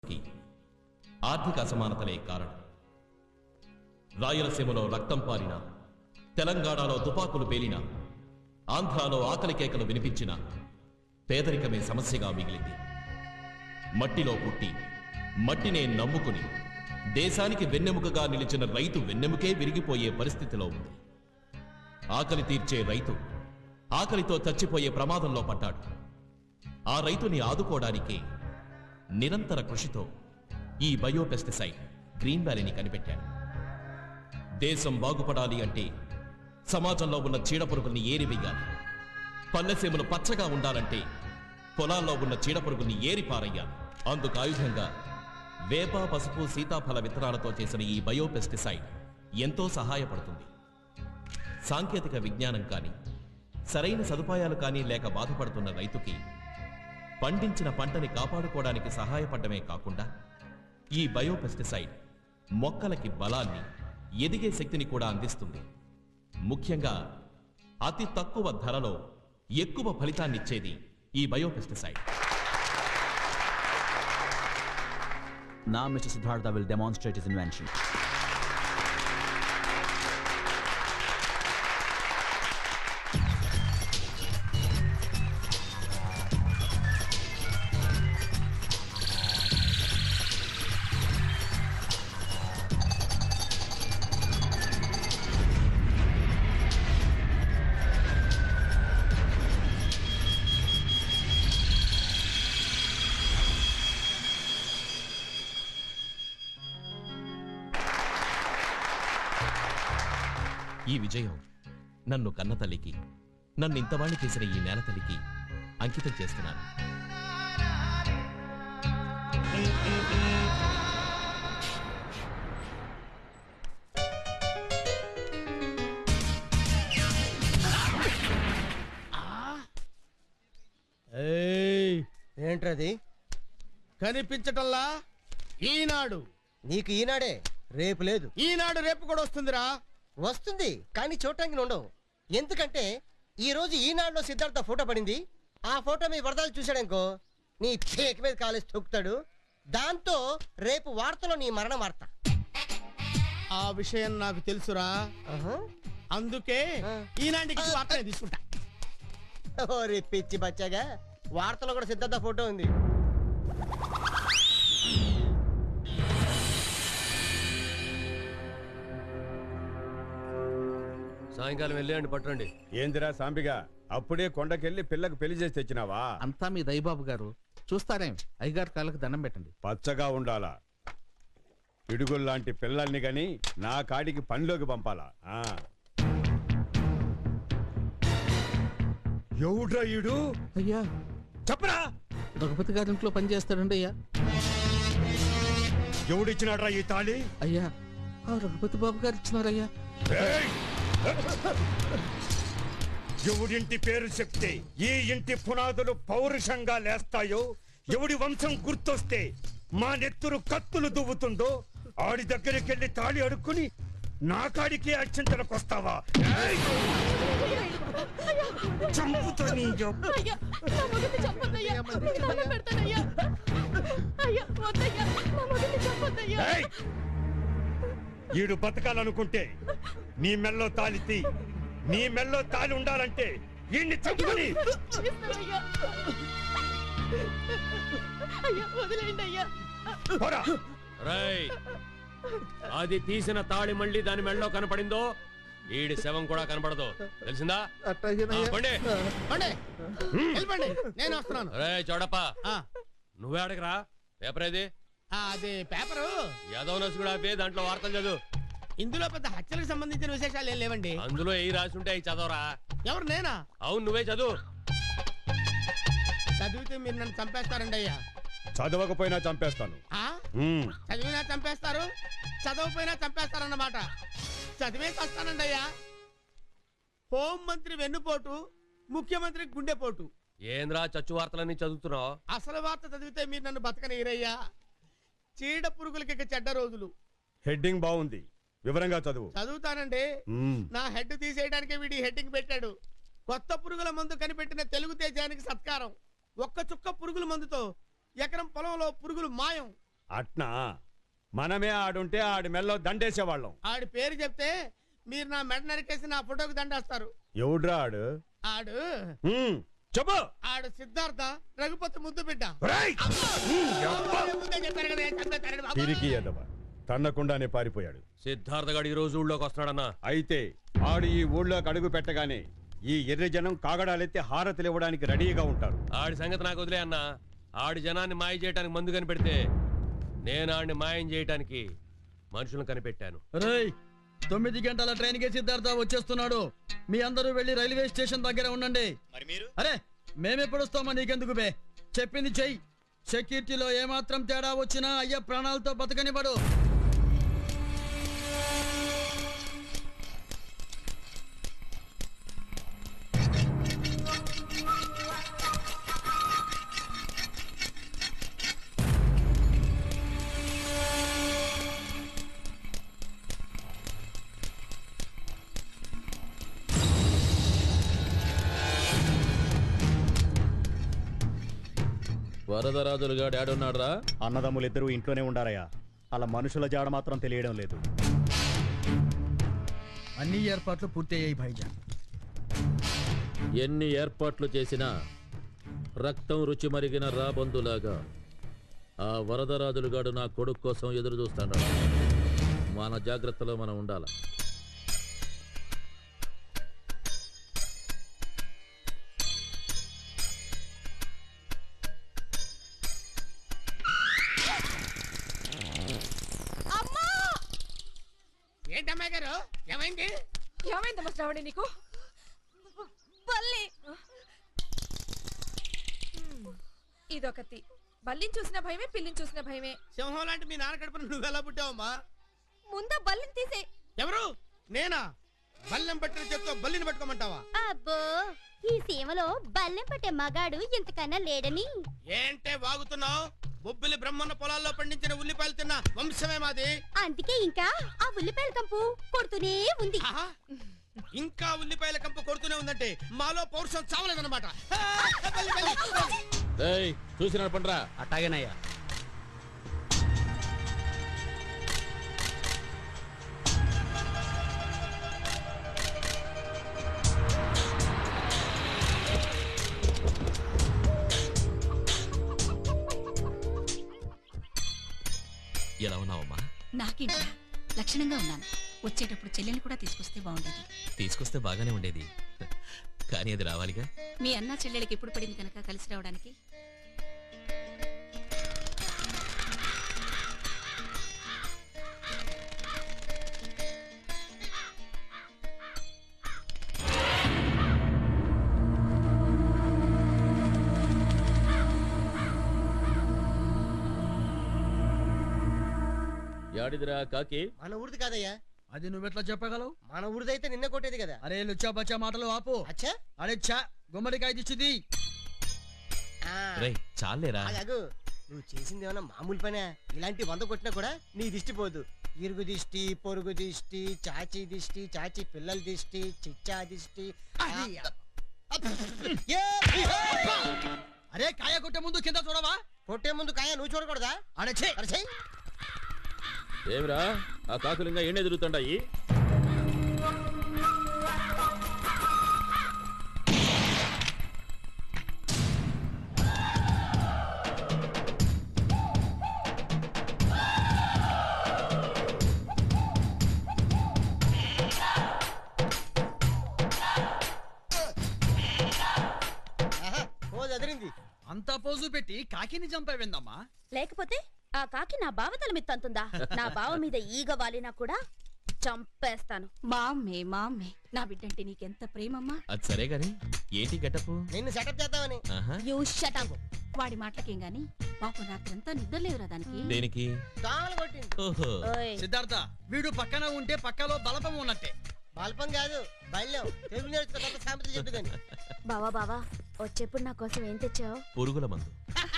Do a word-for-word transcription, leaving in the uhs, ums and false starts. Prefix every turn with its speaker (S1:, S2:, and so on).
S1: ఆర్థిక అసమానతలే కారణం. రాయలసీమలో రక్తం పారిన, తెలంగాణలో తుపాకులు పేలిన, ఆంధ్రాలో ఆకలి కేకలు వినిపించిన పేదరికమే సమస్యగా మిగిలింది. మట్టిలో పుట్టి మట్టినే నమ్ముకుని దేశానికి వెన్నెముకగా నిలిచిన రైతు వెన్నెముకే విరిగిపోయే పరిస్థితిలో ఉంది. ఆకలి తీర్చే రైతు ఆకలితో చచ్చిపోయే ప్రమాదంలో పడ్డాడు. ఆ రైతుని ఆదుకోవడానికి నిరంతర కృషితో ఈ బయోపెస్టిసైడ్ గ్రీన్ వ్యాలీని కనిపెట్టాడు. దేశం బాగుపడాలి అంటే సమాజంలో ఉన్న చీడపురుగుల్ని ఏరివేయాలి. పల్లెసీమలు పచ్చగా ఉండాలంటే పొలాల్లో ఉన్న చీడపురుగుల్ని ఏరిపారయ్యాలి. అందుకు ఆయుధంగా వేప, పసుపు, సీతాఫల విత్తనాలతో చేసిన ఈ బయోపెస్టిసైడ్ ఎంతో సహాయపడుతుంది. సాంకేతిక విజ్ఞానం కానీ, సరైన సదుపాయాలు కానీ లేక బాధపడుతున్న రైతుకి పండించిన పంటని కాపాడుకోవడానికి సహాయపడమే కాకుండా ఈ బయోపెస్టిసైడ్ మొక్కలకి బలాన్ని, ఎదిగే శక్తిని కూడా అందిస్తుంది. ముఖ్యంగా అతి తక్కువ ధరలో ఎక్కువ ఫలితాన్నిచ్చేది ఈ biopesticide.
S2: Now Mister Siddhartha will demonstrate his invention.
S1: ఈ విజయం నన్ను కన్న తల్లికి, నన్ను ఇంతవాణ్ణి చేసిన ఈ నేల తల్లికి అంకితం చేస్తున్నాను.
S3: ఏంట్రది
S4: కనిపించటల్లా? ఈనాడు.
S3: నీకు ఈనాడే, రేపు లేదు.
S4: ఈనాడు రేపు కూడా వస్తుందిరా.
S3: వస్తుంది కానీ చూడటానికి ఉండవు. ఎందుకంటే ఈ రోజు ఈనాడులో సిద్ధార్థ ఫోటో పడింది. ఆ ఫోటో మీ వరదాలు చూశాడనుకో నీ పేక మీద కాలేసి తొక్కుతాడు. దాంతో రేపు వార్తలో నీ మరణ వార్త.
S4: ఆ విషయం నాకు తెలుసురా. అందుకే ఈనాటికి వార్తనే తీసుకుంటా.
S3: ఓరే పిచ్చి బచ్చాగా, వార్తలో కూడా సిద్ధార్థ ఫోటో ఉంది.
S5: సాయంకాలం వెళ్ళండి పట్టండి.
S6: ఏందిరా సాంబిగా, అప్పుడే కొండకెళ్ళి పిల్లకు పెళ్లి చేసి తెచ్చినావా?
S7: అంతా మీ దయబాబు గారు చూస్తారేం. అయ్యగారు కాళ్ళకి దండం పెట్టండి.
S6: పచ్చగా ఉండాలా, పిడుగుల్లాంటి పిల్లల్ని గని నా కాడికి పనిలోకి పంపాలా. ఎవడ్రా ఈడు?
S7: అయ్యా
S6: చెప్పరా.
S7: రఘుపతి గారి ఇంట్లో పని చేస్తాడండి. అయ్యా
S6: ఎవడిచ్చినాడ్రా ఈ తాళి?
S7: అయ్యా ఆ రఘుపతి బాబు గారు ఇచ్చినారయ్యా.
S6: ఎవడింటి పేరు చెప్తే ఈ ఇంటి పునాదులు పౌరుషంగా లేస్తాయో, ఎవడి వంశం గుర్తొస్తే మా నెత్తురు కత్తులు దువ్వుతుందో ఆడి దగ్గరికి వెళ్ళి తాళి అడుక్కుని నా కాడికే అత్యంతలకు వస్తావా? చంపుతా నీ ఈడు బతకాలనుకుంటే నీ మెల్లో తాళితి, నీ మెల్లో తాళి ఉండాలంటే ఈయన్ని చంపుని.
S5: రేయ్, అది తీసిన తాళి మళ్ళీ దాని మెళ్ళలో కనపడిందో ఈడి శవం కూడా కనపడదు, తెలిసిందా?
S4: నేను వస్తున్నాను.
S5: రే చోడప్ప, నువ్వే అడగరా. పేపర్ ఏది?
S4: అదే పేపరు
S5: యాదవ్ నసు కూడా ఆపి దాంట్లో వార్తలు చదువు.
S4: ఇందులో పెద్ద హత్యలకు సంబంధించిన విశేషాలు ఏం లేవండి.
S5: అందులో ఏ రాసి ఉంటే అవి చదవరా.
S4: ఎవరు? నేనా?
S5: అవును, నువ్వే చదువు.
S4: చదివితే మీరు నన్ను చంపేస్తారండి అయ్యా.
S6: చదవకపోయినా చంపేస్తాను.
S4: చదివినా చంపేస్తారు, చదవకపోయినా చంపేస్తారన్నమాట. చదివే వస్తానండి అయ్యా. హోం మంత్రి వెన్నుపోటు, ముఖ్యమంత్రి గుండెపోటు.
S5: ఏంద్రా చచ్చు వార్తలన్నీ చదువుతున్నావు?
S4: అసలు వార్త చదివితే మీరు నన్ను బతకనీరయ్యా. చీడ పురుగులకి ఇక చెడ్డ రోజులు.
S6: హెడ్డింగ్ బాగుంది, వివరంగా చదువు.
S4: చదువుతానండి. నా హెడ్ తీసేయడానికి వీడి హెడ్డింగ్ పెట్టాడు. కొత్త పురుగుల మందు కనిపెట్టిన తెలుగు తేజానికి సత్కారం. ఒక్క చుక్క పురుగుల మందుతో ఎకరం పొలంలో పురుగులు మాయం.
S6: అట్నా మనమే ఆడుంటే ఆడి మెల్లో దండేసేవాళ్ళం.
S4: ఆడి పేరు చెప్తే మీరు నా మెడ నరికేసి నా ఫోటోకి దండేస్తారు.
S6: ఎవడ్రా ఆడు?
S4: ఆడు
S6: హ్మ్, చెప్పు.
S4: ఆడు సిద్ధార్థ రఘుపతి ముద్దు బిడ్డ.
S6: ఒరేయ్! హ్మ్, యబ్బా!
S4: ముందే చెప్పారు కదా, ఏం చంపేస్తారని బాబు.
S6: తిరిగి ఎదవ తన్నకుండానే పారిపోయాడు.
S5: సిద్ధార్థ గారు ఈ రోజు ఊళ్ళోకి వస్తున్నాడన్నా.
S6: అయితే ఆడు ఈ ఊళ్ళోకి అడుగు పెట్టగానే ఈ ఎర్ర జనం కాగడాలెత్తి హారతులు ఇవ్వడానికి రెడీగా ఉంటారు.
S5: ఆడి సంగతి నాకు వదిలే అన్నా. ఆడి జనాన్ని మాయ చేయడానికి మందు కనిపెడితే నేను ఆడిని మాయం చేయడానికి మనుషులను కనిపెట్టాను.
S8: రేయ్, తొమ్మిది గంటల ట్రైన్ కి సిద్ధార్థ వచ్చేస్తున్నాడు. మీ అందరూ వెళ్ళి రైల్వే స్టేషన్ దగ్గర ఉండండి.
S9: మరి మీరు?
S8: అరే మేమెప్పుడు వస్తామా నీకెందుకు బే? చెప్పింది చెయ్యి. సెక్యూరిటీలో ఏమాత్రం తేడా వచ్చినా అయ్య ప్రాణాలతో బతకనివ్వడు.
S2: వరదరాజులుగా డాడున్నాడ్రా?
S9: అన్నదమ్ములిద్దరూ ఇంట్లోనే ఉండారయ్యా. అలా మనుషుల జాడ మాత్రం తెలియడం లేదు.
S8: అన్ని ఏర్పాట్లు పూర్తయ్యాయి భైజాన్.
S2: ఎన్ని ఏర్పాట్లు చేసినా రక్తం రుచి మరిగిన రాబందులాగా ఆ వరదరాజులుగాడు నా కొడుకు కోసం ఎదురు చూస్తాడు. మన జాగ్రత్తలో మనం ఉండాలి.
S4: ఏంటమ్మాయి గారు, ఏమైంది?
S10: ఏమైందమ్మా శ్రావణి నీకు? బల్లి ఇదొకటి. బల్లిని చూసిన భయమే, పిల్లిని చూసిన భయమే.
S4: సింహం లాంటి మీ నాన్న కడుపున నువ్వెలా పుట్టావమ్మా?
S10: ముందా బల్లిని తీసే.
S4: ఎవరు? నేనా? బల్లెం పట్టిన చెప్తా బల్లిని పట్టుకోమంటావా?
S11: అబ్బో, ఈ సీమలో బల్లెం పట్టే మగాడు ఇంతకన్నా లేడని.
S4: ఏంటే వాగుతున్నావు? బొబ్బిలి బ్రహ్మన్న పొలాల్లో పండించిన ఉల్లిపాయలు తిన్న వంశమే మాది.
S11: అందుకే ఇంకా ఆ ఉల్లిపాయల కంపు కొడుతూనే ఉంది.
S4: ఆహా, ఇంకా ఉల్లిపాయల కంపు కొడుతూనే ఉందంటే మాలో పౌరుషం చావలేదన్నమాట.
S2: చూసి నడపండ్రా.
S8: అట్టాగేనయ్యా.
S1: ఎలా ఉన్నావమ్మా?
S10: నాకేంట్రా, లక్షణంగా ఉన్నాను. వచ్చేటప్పుడు చెల్లెని కూడా తీసుకొస్తే బాగుండేది.
S1: తీసుకొస్తే బాగానే ఉండేది, కానీ అది రావాలిగా.
S10: మీ అన్న చెల్లెలకి ఎప్పుడు పడింది కనుక కలిసి రావడానికి.
S2: యాడిదిరా కాకి?
S3: మన ఊరిది కాదయ్యా.
S8: అది నువ్వెట్లా చెప్పగలవు?
S3: మన ఊరిదైతే నిన్న కొట్టేది కదా.
S8: అరే లుచ్చా బచ్చా మాటలు ఆపు.
S3: అచ్చా,
S8: అరే చా, గుమ్మడికాయ దిచ్చిది.
S1: రేయ్ చాలేరా.
S3: అగు, నువ్వు చేసింది ఏమన్నా మామూలు పనే? ఇలాంటి వంద కొట్టినా కూడా నీ దిష్టి పోదు. ఇరుగు దిష్టి, పొరుగు దిష్టి, చాచి దిష్టి, చాచి పిల్లల దిష్టి, చిచ్చా దిష్టి.
S8: అరే కాయ కొట్టే ముందు కింద చూడవా?
S3: కొట్టే ముందు కాయ నువ్వు చూడకూడదా?
S8: అడే ఛే.
S3: అరే ఛే.
S2: ఏమిరా ఆ కాకులు ఇంకా ఎండే తిరుగుతుంటాయి?
S8: అంతా పోజు పెట్టి కాకిని చంపావిందమ్మా.
S11: లేకపోతే ఆ కాకి నా బావ తల మీద తంతుందా? నా బావ మీద ఈగ వాలినా కూడా చంపేస్తాను.
S10: మామ్మే మామ్మే, నా బిడ్డంటే నీకెంత ప్రేమమ్మా.
S1: అది సరే గాని ఏంటి గెటప్?
S3: నిన్ను సెటప్ చేద్దామని.
S11: You shut up.
S10: వాడి మాటలకేం గాని పాపం రాత్రంతా నిద్రలేవురా దానికి.
S1: దేనికి?
S3: దోమలు కొట్టింది.
S1: ఓహో.
S11: ఓయ్,
S8: సిద్ధార్థ, వీడు పక్కన ఉంటే పక్కలో బలపం ఉన్నట్టే.
S3: బల్పం కాదు, బల్యం. తెలుగు నేర్చుకో, సామెతలు చెప్పు కానీ.
S11: బావా బావా, వచ్చేప్పుడు నా కోసం ఏం తెచ్చావు?
S1: పురుగుల మందు.